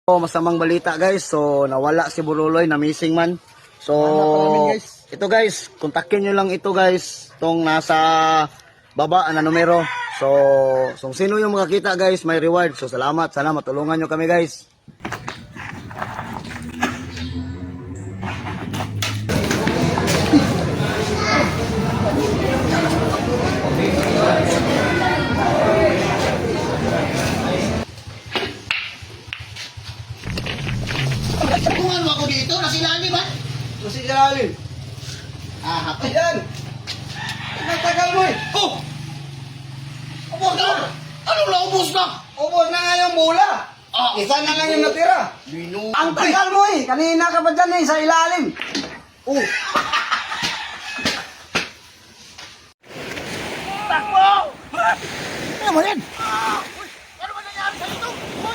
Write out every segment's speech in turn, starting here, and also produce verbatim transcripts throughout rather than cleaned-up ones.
So, masamang balita guys. So, nawala si Buruloy, na missing man. So, guys. ito guys, kontakin nyo lang ito guys. Itong nasa baba na numero. So, kung sino yung makakita guys, may reward. So, salamat. Sana matulungan nyo kami guys. Tungan mo ako dito, nasilali ba? Kasi Geraldine. Ah, hapay. Ayan. Nagtagal mo eh. Oh! Ubos na! Ano na, ubos na? Ubos na nga yung bola. Ah, Isa na lang yung natira. Binu... Ang tagal mo eh. Kanina ka pa dyan eh, sa ilalim. Oh. Takbo! Ano mo yan? Ano ba nangyari sa ito?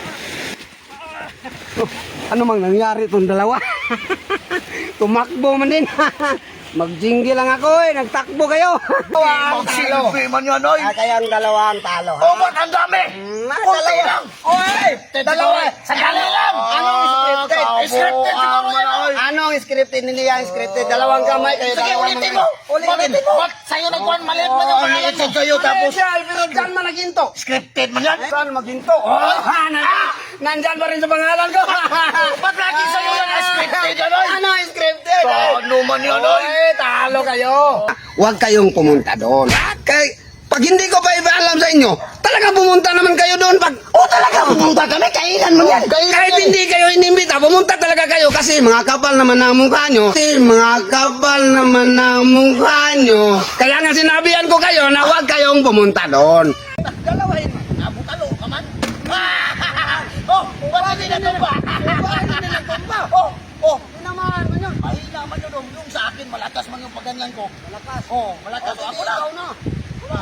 Ano mang nangyari itong dalawa? Tumakbo man din. Magjinggi lang ako eh. Nagtakbo kayo. Magsilbi man yan, oy! Ah, kaya ang dalawa ang talo. Oh, ba't ang dami? Ah, Kunti dalawa. lang! Oy! Dalawa. Sandali lang! Anong scripted? Scripted siguro yan, oy! Anong scripted? Hindi yan scripted. Dalawang kamay kayo. Sige, dalawang ulitin mga- mo! Ulitin. Ulitin mo! Ba't sa'yo nagkuhan maliit man yung pangalan mo? Sa'yo tapos... Special, pero dyan man naginto. Scripted man yan? Saan maginto? Oh, ha, nandyan, nandyan pa rin sa pangalan ko. Ba't lagi sa'yo yan ang scripted yan, oy? Ano ang scripted? Ano man yan, oy? Oy, talo kayo. Huwag kayong pumunta doon. Kay, pag hindi ko pa ipaalam sa inyo, talaga pumunta naman kayo doon. Pag, Oh, talaga pumunta kami? Kailan man yan? kahit hindi kayo inimbita, pumunta talaga kayo kasi mga kapal naman ang mukha nyo. Kasi mga kapal naman ang mukha nyo. Kaya nga sinabihan ko kayo na huwag kayong pumunta doon. Dalawahin mo. Nabutalo ka man. Oh, ba't hindi natumba? Ba't hindi natumba? Oh, oh. Inamaan mo yun. Ay, naman yun. oh. Yung sa akin, malakas man yung pagganyan ko. Malakas. Oh, malakas. Oh, Ako sige, na. ikaw na. Wala.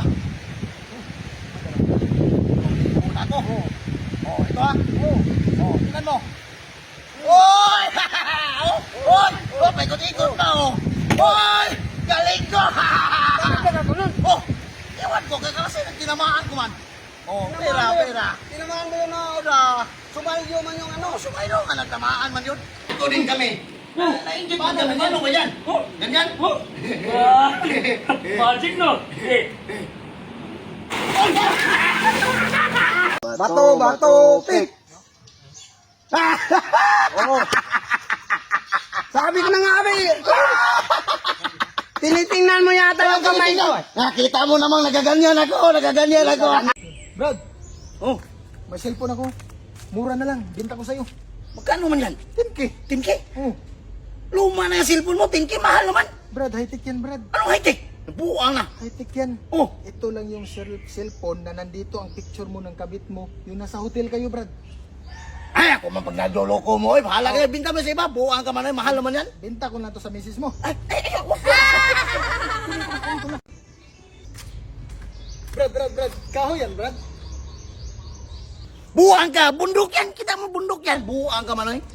Una ko. Oh, ito ah. Oh, oh, tingnan mo. Oy! Oh, oy! Oh, paikot-ikot na oh. Oy! Galing ko! Oh, ewan ko, kaya kasi tinamaan ko man. Oh, pera, pera. Tinamaan mo yun na Pera. sumalyo man yung ano. Ano, sumayro nga, nagtamaan man yun. Ito din kami. Na-inject ba naman yan? Ano ba yan? Ganyan? Magic no? Eh, Bato, bato, pick. Oo. Sabi ko na nga, abi. Tinitingnan mo yata yung kamay ko. Nakita mo namang nagaganyan ako, nagaganyan ako. Brad, Oh, may cellphone ako. Mura na lang. Binta ko sa'yo. magkano man yan? ten K. ten K? Oh. Luma na yung cellphone mo, ten K, mahal naman. Brad, high-tech yan, Brad. Anong high-tech? Buang na. High-tech yan. Oh, Ito lang yung cell cellphone na nandito ang picture mo ng kabit mo. Yung nasa hotel kayo, Brad. ay ako man pag nadoloko mo, eh, bahala ka, binta mo sa iba, buang ka man, eh, mahal naman yan. Binta ko na to sa misis mo. Ay, ay, ay, wag Brad, Brad, Brad. Kahoy yan, Brad. Buang ka, bundok yan, kita mo bundok yan, buang ka man, eh.